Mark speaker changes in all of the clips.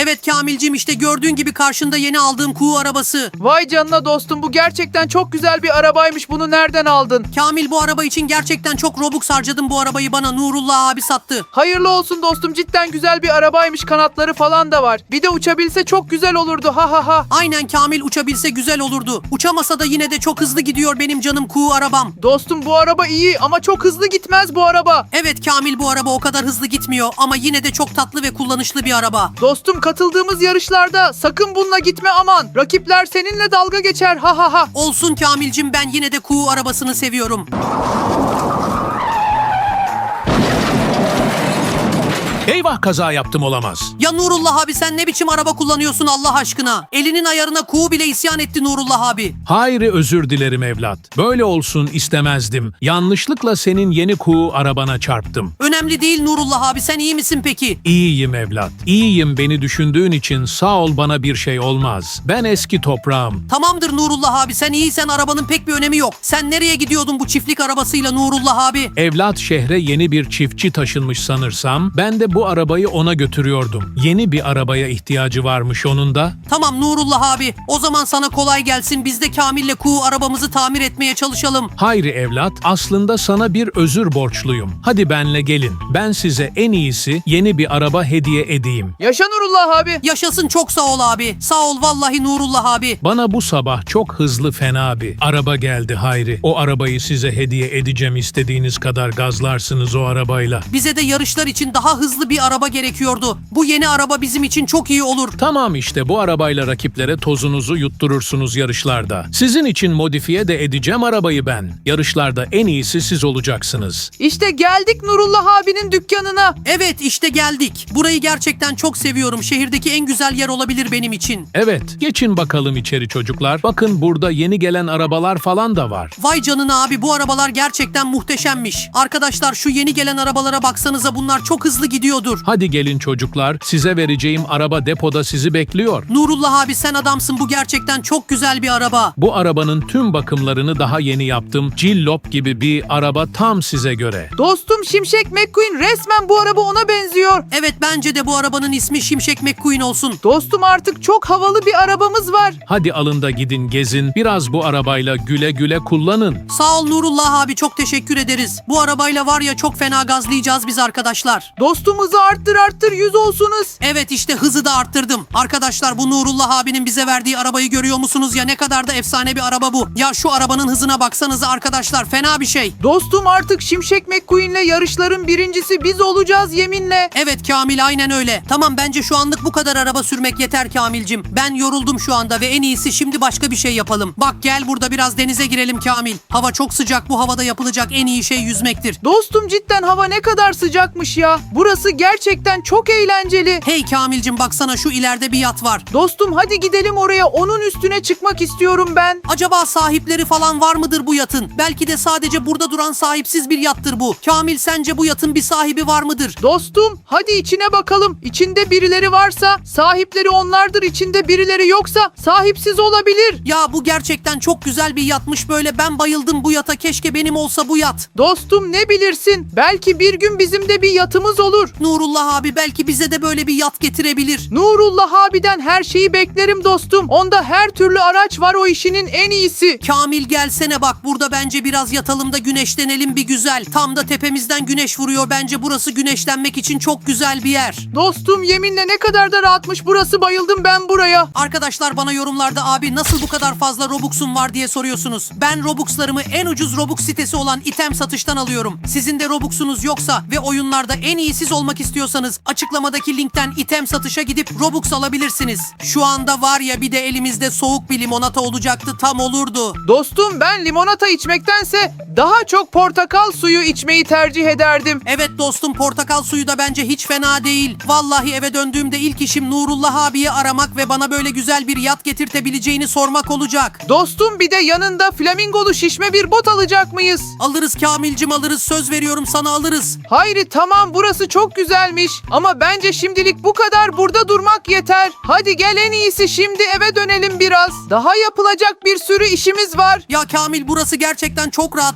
Speaker 1: Evet Kamilcim, işte gördüğün gibi karşında yeni aldığım kuğu arabası.
Speaker 2: Vay canına dostum, bu gerçekten çok güzel bir arabaymış. Bunu nereden aldın?
Speaker 1: Kamil, bu araba için gerçekten çok Robux harcadım, bu arabayı bana Nurullah abi sattı.
Speaker 2: Hayırlı olsun dostum, cidden güzel bir arabaymış, kanatları falan da var. Bir de uçabilse çok güzel olurdu, ha ha ha.
Speaker 1: Aynen Kamil, uçabilse güzel olurdu. Uçamasa da yine de çok hızlı gidiyor benim canım kuğu arabam.
Speaker 2: Dostum bu araba iyi ama çok hızlı gitmez bu araba.
Speaker 1: Evet Kamil, bu araba o kadar hızlı gitmiyor ama yine de çok tatlı ve kullanışlı bir araba.
Speaker 2: Dostum katıldığımız yarışlarda sakın bununla gitme aman. Rakipler seninle dalga geçer, ha ha ha.
Speaker 1: Olsun Kamilcim, ben yine de kuğu arabasını seviyorum.
Speaker 3: Eyvah, kaza yaptım, olamaz.
Speaker 1: Ya Nurullah abi, sen ne biçim araba kullanıyorsun Allah aşkına? Elinin ayarına kuğu bile isyan etti Nurullah abi.
Speaker 3: Hayri, özür dilerim evlat. Böyle olsun istemezdim. Yanlışlıkla senin yeni kuğu arabana çarptım.
Speaker 1: Önemli değil Nurullah abi, sen iyi misin peki?
Speaker 3: İyiyim evlat. İyiyim, beni düşündüğün için sağ ol, bana bir şey olmaz. Ben eski toprağım.
Speaker 1: Tamamdır Nurullah abi, sen iyiysen arabanın pek bir önemi yok. Sen nereye gidiyordun bu çiftlik arabasıyla Nurullah abi?
Speaker 3: Evlat, şehre yeni bir çiftçi taşınmış sanırsam. Ben de bu arabayı ona götürüyordum. Yeni bir arabaya ihtiyacı varmış onun da.
Speaker 1: Tamam Nurullah abi, o zaman sana kolay gelsin. Biz de Kamil'le kuğu arabamızı tamir etmeye çalışalım.
Speaker 3: Hayri evlat, aslında sana bir özür borçluyum. Hadi benle gelin. Ben size en iyisi yeni bir araba hediye edeyim.
Speaker 2: Yaşa Nurullah abi.
Speaker 1: Yaşasın, çok sağ ol abi. Sağ ol vallahi Nurullah abi.
Speaker 3: Bana bu sabah çok hızlı fena bir araba geldi Hayri. O arabayı size hediye edeceğim, istediğiniz kadar gazlarsınız o arabayla.
Speaker 1: Bize de yarışlar için daha hızlı bir araba gerekiyordu. Bu yeni araba bizim için çok iyi olur.
Speaker 3: Tamam, işte bu arabayla rakiplere tozunuzu yutturursunuz yarışlarda. Sizin için modifiye de edeceğim arabayı ben. Yarışlarda en iyisi siz olacaksınız.
Speaker 2: İşte geldik Nurullah abinin dükkanına.
Speaker 1: Evet, işte geldik. Burayı gerçekten çok seviyorum. Şehirdeki en güzel yer olabilir benim için.
Speaker 3: Evet, geçin bakalım içeri çocuklar. Bakın, burada yeni gelen arabalar falan da var.
Speaker 1: Vay canına abi, bu arabalar gerçekten muhteşemmiş. Arkadaşlar, şu yeni gelen arabalara baksanıza, bunlar çok hızlı gidiyordur.
Speaker 3: Hadi gelin çocuklar, size vereceğim araba depoda sizi bekliyor.
Speaker 1: Nurullah abi, sen adamsın, bu gerçekten çok güzel bir araba.
Speaker 3: Bu arabanın tüm bakımlarını daha yeni yaptım. Cillop gibi bir araba, tam size göre.
Speaker 2: Dostum Şimşek McQueen, resmen bu araba ona benziyor.
Speaker 1: Evet, bence de bu arabanın ismi Şimşek McQueen olsun.
Speaker 2: Dostum artık çok havalı bir arabamız var.
Speaker 3: Hadi alın da gidin gezin. Biraz bu arabayla güle güle kullanın.
Speaker 1: Sağ ol Nurullah abi, çok teşekkür ederiz. Bu arabayla var ya, çok fena gazlayacağız biz arkadaşlar.
Speaker 2: Dostum hızı arttır 100 olsunuz.
Speaker 1: Evet, işte hızı da arttırdım. Arkadaşlar, bu Nurullah abinin bize verdiği arabayı görüyor musunuz ya? Ne kadar da efsane bir araba bu. Ya şu arabanın hızına baksanıza arkadaşlar, fena bir şey.
Speaker 2: Dostum artık Şimşek McQueen'le yarışların birincisi biz olacağız yeminle.
Speaker 1: Evet Kamil, aynen öyle. Tamam, bence şu anlık bu kadar araba sürmek yeter Kamilcim. Ben yoruldum şu anda ve en iyisi şimdi başka bir şey yapalım. Bak gel, burada biraz denize girelim Kamil. Hava çok sıcak, bu havada yapılacak en iyi şey yüzmektir.
Speaker 2: Dostum cidden hava ne kadar sıcakmış ya. Burası gerçekten çok eğlenceli.
Speaker 1: Hey Kamilcim, baksana şu ileride bir yat var.
Speaker 2: Dostum hadi gidelim oraya, onun üstüne çıkmak istiyorum ben.
Speaker 1: Acaba sahipleri falan var mıdır bu yatın? Belki de sadece burada duran sahipsiz bir yattır bu. Kamil, sence bu yatın bir sahibi var mıdır?
Speaker 2: Dostum hadi içine bakalım. İçinde birileri varsa sahipleri onlardır, içinde birileri yoksa sahipsiz olabilir.
Speaker 1: Ya bu gerçekten çok güzel bir yatmış böyle. Ben bayıldım bu yata. Keşke benim olsa bu yat.
Speaker 2: Dostum ne bilirsin? Belki bir gün bizim de bir yatımız olur.
Speaker 1: Nurullah abi belki bize de böyle bir yat getirebilir.
Speaker 2: Nurullah abiden her şeyi beklerim dostum. Onda her türlü araç var, o işinin en iyisi.
Speaker 1: Kamil gelsene bak, burada bence biraz yatalım da güneşlenelim bir güzel. Tam da tepemizden güneş vuruyor. Bence burası güneşlenmek için çok güzel bir yer.
Speaker 2: Dostum yeminle ne kadar da rahatmış burası, bayıldım ben buraya.
Speaker 1: Arkadaşlar, bana yorumlarda abi nasıl bu kadar fazla Robux'um var diye soruyorsunuz. Ben Robux'larımı en ucuz Robux sitesi olan item satıştan alıyorum. Sizin de Robux'unuz yoksa ve oyunlarda en iyi siz olmak istiyorsanız açıklamadaki linkten item satışa gidip Robux alabilirsiniz. Şu anda var ya, bir de elimizde soğuk bir limonata olacaktı, tam olurdu.
Speaker 2: Dostum ben limonata içmektense daha çok portakal suyu içmeyi tercih ederdim.
Speaker 1: Evet dostum, portakal suyu da bence hiç fena değil. Vallahi eve döndüğümde ilk işim Nurullah abiyi aramak ve bana böyle güzel bir yat getirtebileceğini sormak olacak.
Speaker 2: Dostum bir de yanında flamingolu şişme bir bot alacak mıyız?
Speaker 1: Alırız Kamilcim, alırız, söz veriyorum sana, alırız.
Speaker 2: Hayri tamam, burası çok güzelmiş ama bence şimdilik bu kadar, burada durmak yeter. Hadi gel, en iyisi şimdi eve dönelim biraz. Daha yapılacak bir sürü işimiz var.
Speaker 1: Ya Kamil, burası gerçekten çok rahat.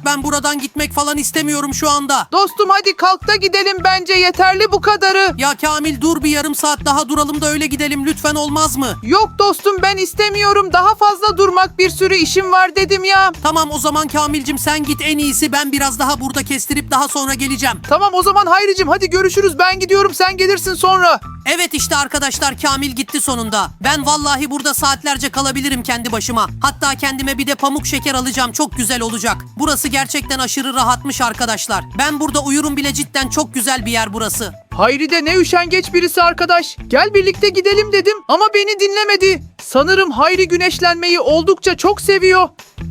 Speaker 1: ben buradan gitmek falan istemiyorum şu anda.
Speaker 2: Dostum hadi kalk da gidelim, bence yeterli bu kadarı.
Speaker 1: Ya Kamil dur bir yarım saat daha duralım da öyle gidelim lütfen, olmaz mı?
Speaker 2: Yok dostum, ben istemiyorum. Daha fazla durmak, bir sürü işim var dedim ya.
Speaker 1: Tamam o zaman Kamilcim sen git, en iyisi ben biraz daha burada kestirip daha sonra geleceğim.
Speaker 2: Tamam o zaman Hayricim, hadi görüşürüz. Ben gidiyorum, sen gelirsin sonra.
Speaker 1: Evet işte arkadaşlar, Kamil gitti sonunda. Ben vallahi burada saatlerce kalabilirim kendi başıma. Hatta kendime bir de pamuk şeker alacağım, çok güzel olacak. Burası gerçekten aşırı rahatmış arkadaşlar. Ben burada uyurum bile, cidden çok güzel bir yer burası.
Speaker 2: Hayri de ne üşengeç birisi arkadaş. Gel birlikte gidelim dedim ama beni dinlemedi. Sanırım Hayri güneşlenmeyi oldukça çok seviyor.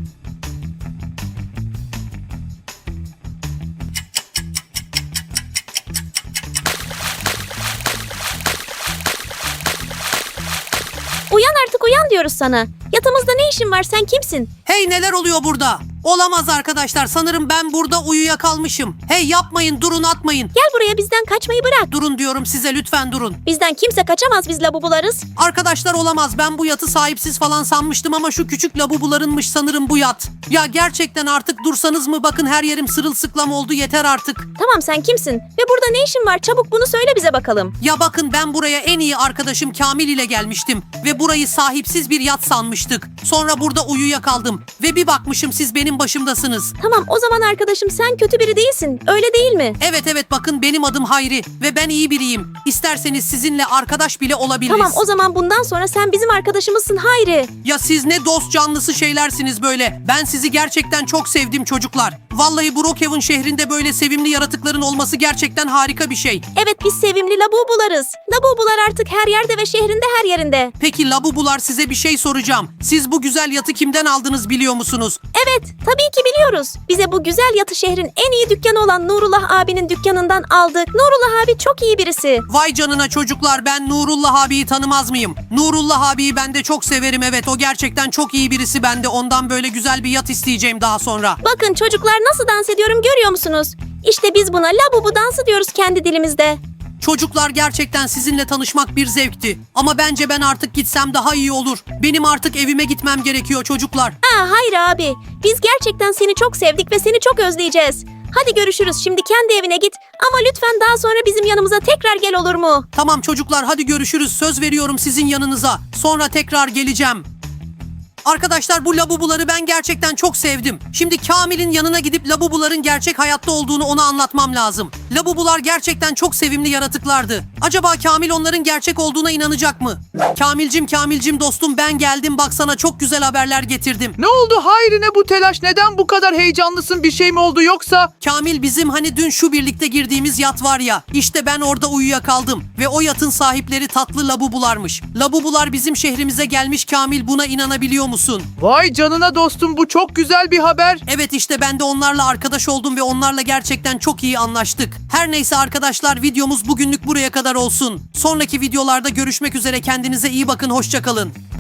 Speaker 4: Uyan artık, uyan diyoruz sana. Yatağımızda ne işin var, sen kimsin?
Speaker 1: Hey, neler oluyor burada? Olamaz arkadaşlar, sanırım ben burada uyuyakalmışım. Hey yapmayın, durun, atmayın.
Speaker 4: Gel buraya, bizden kaçmayı bırak.
Speaker 1: Durun diyorum size, lütfen durun.
Speaker 4: Bizden kimse kaçamaz, biz labubularız.
Speaker 1: Arkadaşlar olamaz, ben bu yatı sahipsiz falan sanmıştım ama şu küçük labubularınmış sanırım bu yat. Ya gerçekten artık dursanız mı, bakın her yerim sırılsıklam oldu, yeter artık.
Speaker 4: Tamam, sen kimsin? Ve burada ne işin var? Çabuk bunu söyle bize bakalım.
Speaker 1: Ya bakın, ben buraya en iyi arkadaşım Kamil ile gelmiştim ve burayı sahipsiz bir yat sanmıştık. Sonra burada uyuyakaldım ve bir bakmışım siz benim başımdasınız.
Speaker 4: Tamam, o zaman arkadaşım sen kötü biri değilsin, öyle değil mi?
Speaker 1: Evet bakın, benim adım Hayri ve ben iyi biriyim. İsterseniz sizinle arkadaş bile olabiliriz.
Speaker 4: Tamam, o zaman bundan sonra sen bizim arkadaşımızsın Hayri.
Speaker 1: Ya siz ne dost canlısı şeylersiniz böyle. Ben sizi gerçekten çok sevdim çocuklar. Vallahi Brookhaven şehrinde böyle sevimli yaratıkların olması gerçekten harika bir şey.
Speaker 4: Evet, biz sevimli labubularız. Labubular artık her yerde ve şehrinde her yerinde.
Speaker 1: Peki labubular, size bir şey soracağım. Siz bu güzel yatı kimden aldınız biliyor musunuz?
Speaker 4: Evet, tabii ki biliyoruz. Bize bu güzel yatı şehrin en iyi dükkanı olan Nurullah abinin dükkanından aldık. Nurullah abi çok iyi birisi.
Speaker 1: Vay canına çocuklar, ben Nurullah abiyi tanımaz mıyım? Nurullah abiyi ben de çok severim, evet o gerçekten çok iyi birisi, ben de ondan böyle güzel bir yat isteyeceğim daha sonra.
Speaker 4: Bakın çocuklar, nasıl dans ediyorum görüyor musunuz? İşte biz buna labubu dansı diyoruz kendi dilimizde.
Speaker 1: Çocuklar gerçekten sizinle tanışmak bir zevkti. Ama bence ben artık gitsem daha iyi olur. Benim artık evime gitmem gerekiyor çocuklar.
Speaker 4: Hayır abi. Biz gerçekten seni çok sevdik ve seni çok özleyeceğiz. Hadi görüşürüz. Şimdi kendi evine git. Ama lütfen daha sonra bizim yanımıza tekrar gel, olur mu?
Speaker 1: Tamam çocuklar, hadi görüşürüz. Söz veriyorum sizin yanınıza. Sonra tekrar geleceğim. Arkadaşlar, bu labubuları ben gerçekten çok sevdim. Şimdi Kamil'in yanına gidip labubuların gerçek hayatta olduğunu ona anlatmam lazım. Labubular gerçekten çok sevimli yaratıklardı. Acaba Kamil onların gerçek olduğuna inanacak mı? Kamilcim dostum, ben geldim, baksana çok güzel haberler getirdim.
Speaker 2: Ne oldu Hayri, ne bu telaş? Neden bu kadar heyecanlısın? Bir şey mi oldu yoksa?
Speaker 1: Kamil, bizim hani dün şu birlikte girdiğimiz yat var ya, işte ben orada uyuyakaldım ve o yatın sahipleri tatlı labubularmış. Labubular bizim şehrimize gelmiş Kamil, buna inanabiliyor musun?
Speaker 2: Vay canına dostum, bu çok güzel bir haber.
Speaker 1: Evet işte ben de onlarla arkadaş oldum ve onlarla gerçekten çok iyi anlaştık. Her neyse arkadaşlar, videomuz bugünlük buraya kadar olsun. Sonraki videolarda görüşmek üzere, kendinize iyi bakın, hoşça kalın.